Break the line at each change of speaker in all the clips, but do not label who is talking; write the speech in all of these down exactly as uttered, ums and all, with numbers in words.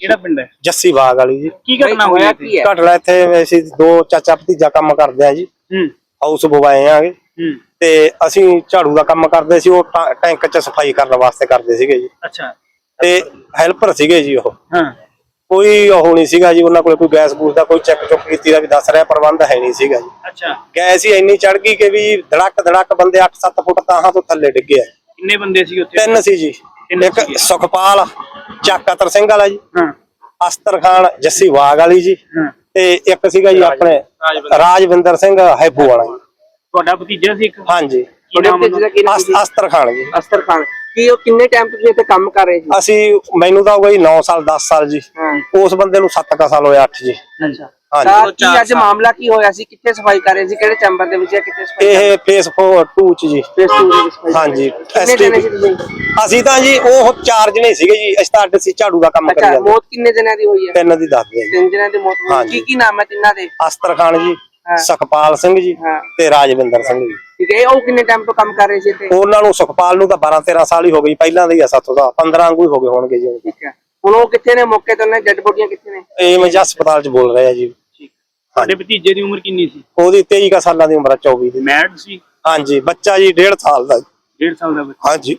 ਕਿਹੜਾ ਪਿੰਡ ਹੈ?
ਜੱਸੀ ਬਾਗ ਵਾਲੀ ਜੀ।
ਕੀ ਘਟਨਾ ਹੋਈ ਹੈ?
ਘਟਨਾ ਇੱਥੇ ਅਸੀਂ ਦੋ ਚਾਚਾ ਭਤੀਜਾ ਕੰਮ ਕਰਦੇ ਆ ਜੀ।
ਹੂੰ
ਹਾਊਸ ਬੁਆਏ ਆਗੇ।
ਹੂੰ
ਤੇ ਅਸੀਂ ਝਾੜੂ ਦਾ ਕੰਮ ਕਰਦੇ ਸੀ, ਉਹ ਟੈਂਕ ਚ ਸਫਾਈ ਕਰਨ ਵਾਸਤੇ ਕਰਦੇ ਸੀਗੇ ਜੀ।
ਅੱਛਾ।
ਤੇ ਹੈਲਪਰ ਸੀਗੇ ਜੀ ਉਹ।
ਹਾਂ।
ਕੋਈ ਉਹ ਨਹੀਂ ਸੀਗਾ ਜੀ ਉਹਨਾਂ ਕੋਲ, ਕੋਈ ਗੈਸ ਗੂਸ ਦਾ ਕੋਈ ਚੈੱਕ ਚੁੱਕ ਕੀਤੀ ਦਾ ਵੀ ਦੱਸ ਰਿਹਾ ਪ੍ਰਬੰਧ ਹੈ ਨਹੀਂ ਸੀਗਾ ਜੀ।
ਅੱਛਾ।
ਗੈਸ ਹੀ ਇੰਨੀ ਚੜ ਗਈ ਕਿ ਵੀ ਧੜਕ ਧੜਕ ਬੰਦੇ ਅੱਠ ਸੱਤ ਫੁੱਟ ਤਾਹਾਂ ਤੋਂ ਥੱਲੇ ਡਿੱਗੇ।
ਕਿੰਨੇ ਬੰਦੇ ਸੀ ਉੱਥੇ?
ਤਿੰਨ ਸੀ ਜੀ। ਇੱਕ ਸੁਖਪਾਲ ਚੱਕ ਅਤਰ ਸਿੰਘ ਵਾਲਾ ਜੀ,
ਹਾਂ,
ਅਸਤਰ ਖਾਨ ਜੱਸੀ ਬਾਗ ਵਾਲੀ ਜੀ,
ਹਾਂ,
ਤੇ ਇੱਕ ਸੀਗਾ ਜੀ ਆਪਣੇ ਰਾਜਵਿੰਦਰ ਸਿੰਘ ਹੈਬੂ ਵਾਲਾ ਜੀ।
ਤੁਹਾਡਾ ਭਤੀਜਾ ਸੀ ਇੱਕ?
ਹਾਂਜੀ।
ਅਸਤਰ
ਅਸਤਰ ਖਾਨ ਜੀ।
ਅਸਤਰ ਖਾਨ ਕੀ ਉਹ ਕਿੰਨੇ ਟਾਈਮ ਤੋਂ ਇੱਥੇ ਕੰਮ ਕਰ ਰਹੇ ਸੀ?
ਅਸੀਂ ਮੈਨੂੰ ਤਾਂ ਹੋ ਗਈ ਨੌ ਸਾਲ ਦਸ ਸਾਲ ਜੀ। ਉਸ ਬੰਦੇ ਨੂੰ ਸੱਤ ਕ ਸਾਲ ਹੋਇਆ, ਅੱਠ ਜੀ।
ਅੱਛਾ। ਹਾਂਜੀ। ਕੀ ਅੱਜ ਮਾਮਲਾ ਕੀ ਹੋਇਆ ਸੀ? ਕਿੱਥੇ ਸਫਾਈ ਕਰ ਰਹੇ ਸੀ? ਕਿਹੜੇ ਚੈਂਬਰ ਦੇ ਵਿੱਚ? ਕਿੱਥੇ ਸਫਾਈ? ਇਹ
ਫੇਸ ਟੂ ਚ ਜੀ।
ਫੇਸ ਟੂ ਦੇ ਵਿੱਚ। ਹਾਂਜੀ।
ਅਸੀਂ ਤਾਂ ਜੀ ਉਹ ਚਾਰ ਜਣੇ ਸੀਗੇ ਜੀ। ਅਸੀਂ ਤਾਂ ਅੱਡ ਸੀ, ਝਾੜੂ ਦਾ ਕੰਮ ਕਰੀ ਜਾਂਦੇ।
ਮੌਤ ਕਿੰਨੇ ਜਣਿਆਂ ਦੀ ਹੋਈ ਹੈ?
ਤਿੰਨ ਦੀ ਦੱਸਦੇ ਜੀ।
ਤਿੰਨ ਜਣਿਆਂ ਦੀ ਮੌਤ ਹੋਈ। ਕੀ ਕੀ ਨਾਮ ਹੈ ਤਿੰਨਾਂ ਦੇ? ਅਸਤਰ
ਖਾਨ ਜੀ, ਸੁਖਪਾਲ ਸਿੰਘ ਜੀ ਤੇ ਰਾਜਵਿੰਦਰ ਸਿੰਘ ਜੀ।
ਠੀਕ ਹੈ। ਉਹ ਕਿੰਨੇ ਟਾਈਮ ਤੋਂ ਕੰਮ ਕਰ ਰਹੇ ਸੀ ਇੱਥੇ?
ਉਹਨਾਂ ਨੂੰ ਸੁਖਪਾਲ ਨੂੰ ਤਾਂ ਬਾਰਾਂ ਤੇਰਾਂ ਸਾਲ ਹੀ ਹੋ ਗਈ, ਪਹਿਲਾਂ ਦੇ ਹੀ ਆ ਸਾਥੋਂ ਦਾ ਪੰਦਰਾਂ ਵਾਂਗੂ ਹੀ ਹੋ ਗਏ ਹੋਣਗੇ ਜੀ।
ਠੀਕ ਹੈ। ਹੁਣ ਉਹ ਕਿੱਥੇ ਨੇ? ਮੌਕੇ ਤੇ ਉਹਨਾਂ ਡੈਡ ਬੋਡੀਆਂ ਕਿੱਥੇ ਨੇ?
ਇਹ ਮੈਂ ਹਸਪਤਾਲ ਚ ਬੋਲ ਰਿਹਾ ਜੀ।
ਤੁਹਾਡੇ ਭਤੀਜੇ ਦੀ ਉਮਰ ਕਿੰਨੀ ਸੀ?
ਉਹਦੀ ਤੇਈ ਕਾ ਸਾਲਾਂ ਦੀ ਉਮਰ, ਚੌਵੀ ਦੀ।
ਮੈਰਿਡ ਸੀ?
ਹਾਂਜੀ। ਬੱਚਾ ਜੀ ਡੇਢ ਸਾਲ ਦਾ।
ਡੇਢ ਸਾਲ ਦਾ ਬੱਚਾ?
ਹਾਂਜੀ।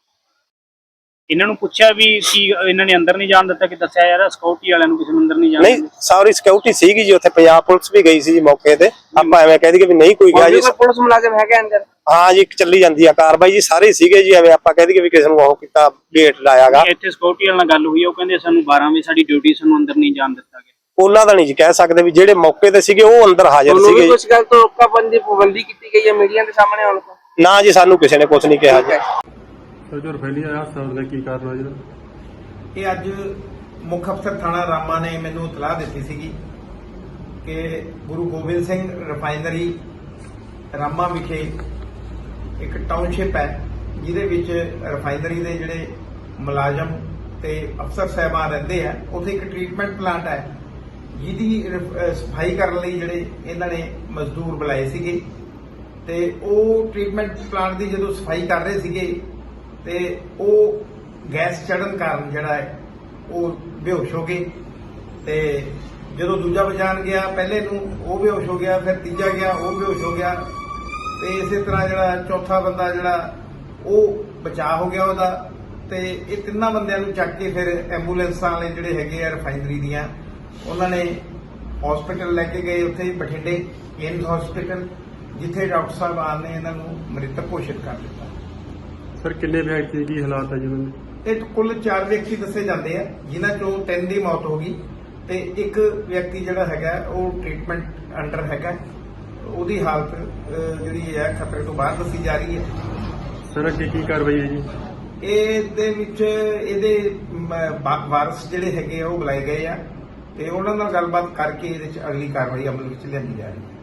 ਇਹਨਾਂ ਨੂੰ ਪੁੱਛਿਆ ਵੀ ਕੀ ਇਹਨਾਂ ਨੇ ਅੰਦਰ ਨਹੀਂ ਜਾਣ ਦਿੱਤਾ? ਕਿ ਦੱਸਿਆ ਯਾਰ ਸਿਕਿਉਰਿਟੀ ਵਾਲਿਆਂ ਨੂੰ ਕਿਸੇ ਨੂੰ ਅੰਦਰ ਨਹੀਂ ਜਾਣ?
ਨਹੀਂ, ਸਾਰੀ ਸਿਕਿਉਰਿਟੀ ਸੀਗੀ ਜੀ ਉੱਥੇ, ਪੰਜਾਬ ਪੁਲਿਸ ਵੀ ਗਈ ਸੀ ਜੀ ਮੌਕੇ ਤੇ। ਆਪਾਂ ਐਵੇਂ ਕਹਿ ਦਈਏ ਵੀ ਨਹੀਂ ਕੋਈ ਗਿਆ ਜੀ।
ਪੁਲਿਸ ਮੁਲਾਜ਼ਮ ਹੈਗਾ ਅੰਦਰ?
ਹਾਂ ਜੀ, ਚੱਲੀ ਜਾਂਦੀ ਆ ਕਾਰਵਾਈ ਜੀ। ਸਾਰੇ ਸੀਗੇ ਜੀ, ਐਵੇਂ ਆਪਾਂ ਕਹਿ ਦਈਏ ਵੀ ਕਿਸੇ ਨੂੰ ਉਹ ਕੀਤਾ ਗੇਟ ਲਾਇਆਗਾ।
ਇੱਥੇ ਸਿਕਿਉਰਿਟੀ ਵਾਲਿਆਂ ਨਾਲ ਗੱਲ ਹੋਈ, ਉਹ ਕਹਿੰਦੇ ਸਾਨੂੰ ਬਾਰਾਂ ਵਜੇ ਸਾਡੀ ਡਿਊਟੀ, ਸਾਨੂੰ ਅੰਦਰ ਨਹੀਂ ਜਾਣ ਦਿੱਤਾ ਗਿਆ।
ਉਹਨਾਂ ਦਾ ਨਹੀਂ ਜੀ ਕਹਿ ਸਕਦੇ, ਵੀ ਜਿਹੜੇ ਮੌਕੇ ਤੇ ਸੀਗੇ ਉਹ ਅੰਦਰ ਹਾਜ਼ਰ ਸੀਗੇ।
ਕੁਝ ਗੱਲ ਤੋਂ ਰੋਕਾਬੰਦੀ ਪਾਬੰਦੀ ਕੀਤੀ ਗਈ ਹੈ ਮੀਡੀਆ ਦੇ ਸਾਹਮਣੇ ਆਉਣ ਤੋਂ?
ਨਾ ਜੀ, ਸਾਨੂੰ ਕਿਸੇ ਨੇ ਕੁਝ ਨਹੀਂ ਕਿਹਾ ਜੀ।
ਸਰ ਫੈਲੀ ਆਇਆ ਹਸਪਤਾਲ ਦਾ ਕੀ ਕਾਰਨ ਹੋਇਆ ਜੀ?
ਇਹ ਅੱਜ ਮੁੱਖ ਅਫਸਰ ਥਾਣਾ ਰਾਮਾ ਨੇ ਮੈਨੂੰ ਇਤਲਾਹ ਦਿੱਤੀ ਸੀਗੀ ਕਿ ਗੁਰੂ ਗੋਬਿੰਦ ਸਿੰਘ ਰਿਫਾਈਨਰੀ ਰਾਮਾ ਵਿਖੇ ਇੱਕ ਟਾਊਨਸ਼ਿਪ ਹੈ, ਜਿਹਦੇ ਵਿੱਚ ਰਿਫਾਈਨਰੀ ਦੇ ਜਿਹੜੇ ਮੁਲਾਜ਼ਮ ਤੇ ਅਫਸਰ ਸਾਹਿਬਾਨ ਰਹਿੰਦੇ ਆ। ਉੱਥੇ ਇੱਕ ਟ੍ਰੀਟਮੈਂਟ ਪਲਾਂਟ ਹੈ, ਜਿਹਦੀ ਸਫਾਈ ਕਰਨ ਲਈ ਜਿਹੜੇ ਇਹਨਾਂ ਨੇ ਮਜ਼ਦੂਰ ਬੁਲਾਏ ਸੀਗੇ। ਤੇ ਉਹ ਟ੍ਰੀਟਮੈਂਟ ਪਲਾਂਟ ਦੀ ਜਦੋਂ ਸਫਾਈ ਕਰ ਰਹੇ ਸੀਗੇ ਤੇ ਉਹ ਗੈਸ ਚੜਨ ਕਾਰਨ ਜਿਹੜਾ ਹੈ ਉਹ ਬੇਹੋਸ਼ ਹੋ ਗਏ। ਤੇ ਜਦੋਂ ਦੂਜਾ ਬਚਾਉਣ ਗਿਆ, ਪਹਿਲੇ ਨੂੰ ਉਹ ਬੇਹੋਸ਼ ਹੋ ਗਿਆ, ਫਿਰ ਤੀਜਾ ਗਿਆ, ਉਹ ਬੇਹੋਸ਼ ਹੋ ਗਿਆ, ਤੇ ਇਸੇ ਤਰ੍ਹਾਂ ਜਿਹੜਾ ਚੌਥਾ ਬੰਦਾ ਜਿਹੜਾ ਉਹ ਬਚਾਅ ਹੋ ਗਿਆ ਉਹਦਾ। ਤੇ ਇਹ ਤਿੰਨਾਂ ਬੰਦਿਆਂ ਨੂੰ ਚੱਕ ਕੇ ਫਿਰ ਐਂਬੂਲੈਂਸਾਂ ਵਾਲੇ ਜਿਹੜੇ ਹੈਗੇ ਆ ਰਿਫਾਈਨਰੀ ਦੀਆਂ, ਉਹਨਾਂ ਨੇ ਹਸਪੀਟਲ ਲੈ ਕੇ ਗਏ, ਉੱਥੇ ਬਠਿੰਡੇ ਏਮਜ਼ ਹਸਪੀਟਲ, ਜਿੱਥੇ ਡਾਕਟਰ ਸਾਹਿਬ ਆਨ ਨੇ ਇਹਨਾਂ ਨੂੰ ਮ੍ਰਿਤਕ ਘੋਸ਼ਿਤ ਕਰ ਦਿੱਤਾ।
ਸਰ ਕਿੰਨੇ ਵਿਅਕਤੀ ਕੀ ਹਾਲਾਤ ਹੈ ਜੀ ਉਹਨਾਂ ਦੇ? ਇਹ
ਕੁੱਲ ਚਾਰ ਵਿਅਕਤੀ ਦੱਸੇ ਜਾਂਦੇ ਆ, ਜਿਨ੍ਹਾਂ ਚੋਂ ਤਿੰਨ ਦੀ ਮੌਤ ਹੋ ਗਈ ਤੇ ਇੱਕ ਵਿਅਕਤੀ ਜਿਹੜਾ ਹੈਗਾ ਉਹ ਟ੍ਰੀਟਮੈਂਟ ਅੰਡਰ ਹੈਗਾ। ਉਹਦੀ ਹਾਲਤ ਜਿਹੜੀ ਹੈ ਖਤਰੇ ਤੋਂ ਬਾਹਰ ਦੱਸੀ ਜਾ ਰਹੀ ਹੈ।
ਸਰ ਅੱਗੇ ਕੀ ਕਾਰਵਾਈ ਹੈ ਜੀ?
ਇਹਦੇ ਵਿੱਚ ਇਹਦੇ ਵਾਰਸ ਜਿਹੜੇ ਹੈਗੇ ਆ ਉਹ ਬੁਲਾਏ ਗਏ ਆ, ਤੇ ਉਹਨਾਂ ਨਾਲ ਗੱਲਬਾਤ ਕਰਕੇ ਇਹਦੇ ਵਿੱਚ ਅਗਲੀ ਕਾਰਵਾਈ ਅਮਲ ਵਿੱਚ ਲਿਆਂਦੀ ਜਾ ਰਹੀ ਹੈ।